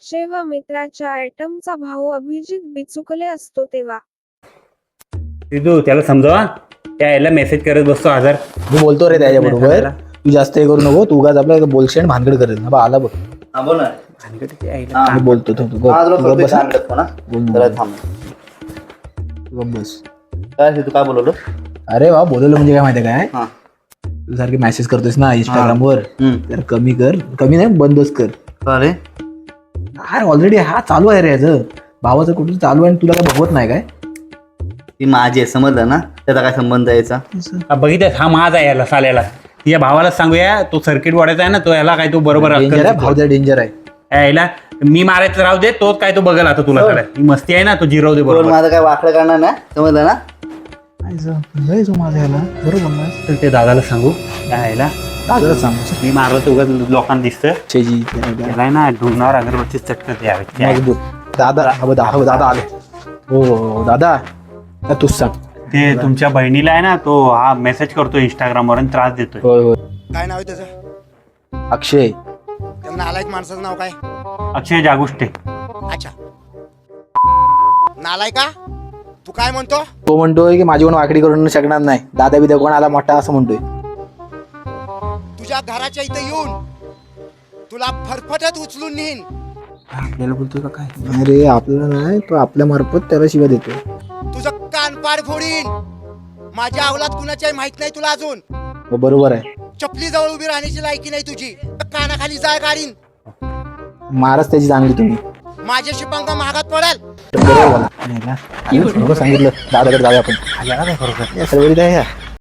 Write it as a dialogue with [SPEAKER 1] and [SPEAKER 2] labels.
[SPEAKER 1] जेव्हा मित्राच्या आयटमचा भाऊ अभिजित बिचुकले असतो तेव्हा
[SPEAKER 2] तू त्याला समजावा, त्या याला मेसेज करत बसतो 1000.
[SPEAKER 3] मी बोलतो रे त्याच्याबरोबर, तू जास्त हे करू नको, तू उगाच आपल्या बोलशेण भानगड करेल ना. बा आला बघ,
[SPEAKER 4] बोल ना.
[SPEAKER 3] मी बोलतो तो तू गप बस. बस.
[SPEAKER 4] काय तू काय बोलवलं?
[SPEAKER 3] अरे वा, बोलवलं म्हणजे काय माहिती काय,
[SPEAKER 4] हा.
[SPEAKER 3] तू सारखी मेसेज करतोयस ना इंस्टाग्रामवर, तर कमी कर. कमी नाही, बंदच कर.
[SPEAKER 4] अरे
[SPEAKER 3] अरे ऑलरेडी हा चालू आहे रे, याचं भावाचं कुठं चालू आहे आणि तुला काय बघवत नाही काय?
[SPEAKER 4] ती माझी आहे, समजलं ना? त्याचा काय संबंध यायचा?
[SPEAKER 2] बघितलं, हा माझा आहे याला साल्याला. या भावाला सांगूया, तो सर्किट वाढायचा आहे ना, तो याला काय तो बरोबर
[SPEAKER 3] डेंजर आहे भाऊ, डेंजर आहे.
[SPEAKER 2] यायला मी मारायचं राहू दे, तोच काय तो बघेल आता तुला. ही मस्ती आहे ना, तो जिरव दे
[SPEAKER 4] बोल,
[SPEAKER 2] बरोबर.
[SPEAKER 4] माझं काय वाकडं करणार ना, समजलं ना?
[SPEAKER 3] माझा याला बरोबर ना,
[SPEAKER 2] तर ते दादाला सांगू, यायला
[SPEAKER 3] दादाला सांग.
[SPEAKER 2] मी मारलं तर उगाच लोकांना दिसतं.
[SPEAKER 3] छेजी
[SPEAKER 2] त्याला ना ढुंगणावर अगरबत्ती चटकत यावे.
[SPEAKER 3] मजबूत. दादा दादा आले. हो दादा, तूच सांग.
[SPEAKER 2] ते तुमच्या बहिणीला आहे ना, तो हा मेसेज करतो इंस्टाग्रामवर आणि त्रास देतोय.
[SPEAKER 3] होय होय.
[SPEAKER 5] काय नाव आहे त्याचं?
[SPEAKER 3] अक्षय.
[SPEAKER 5] त्या नालायक माणसाचं नाव काय?
[SPEAKER 2] अक्षय जागुष्टे.
[SPEAKER 5] अच्छा, नालायका तू काय म्हणतो?
[SPEAKER 3] तो म्हणतोय की माझी कोण वाकडी करून शकणार नाही, दादा बिदा कोण आला मोठा असं म्हणतोय.
[SPEAKER 5] तुझ्या घराच्या इथे येऊन तुला फरफटत उचलून नेईन.
[SPEAKER 3] आपल्याला बोलतोय का काय? अरे आपल्याला नाही, तो आपल्या मार्फत त्याला शिव्या देतोय.
[SPEAKER 5] तुझं कानपाड फोडीन. माझ्या अवलाद कुणाच्याही माहित नाही तुला अजून.
[SPEAKER 3] हो, बरोबर आहे.
[SPEAKER 5] चपली जवळ उभी राहण्याची लायकी नाही तुझी. कानाखाली जाळ काढीन.
[SPEAKER 3] मारच त्याची चांगली तुम्ही.
[SPEAKER 5] माझ्याशी पंगा महागात पडेल.
[SPEAKER 3] बरोबर बोला. सांगितलं दादाकडे जाऊया आपण. सर्व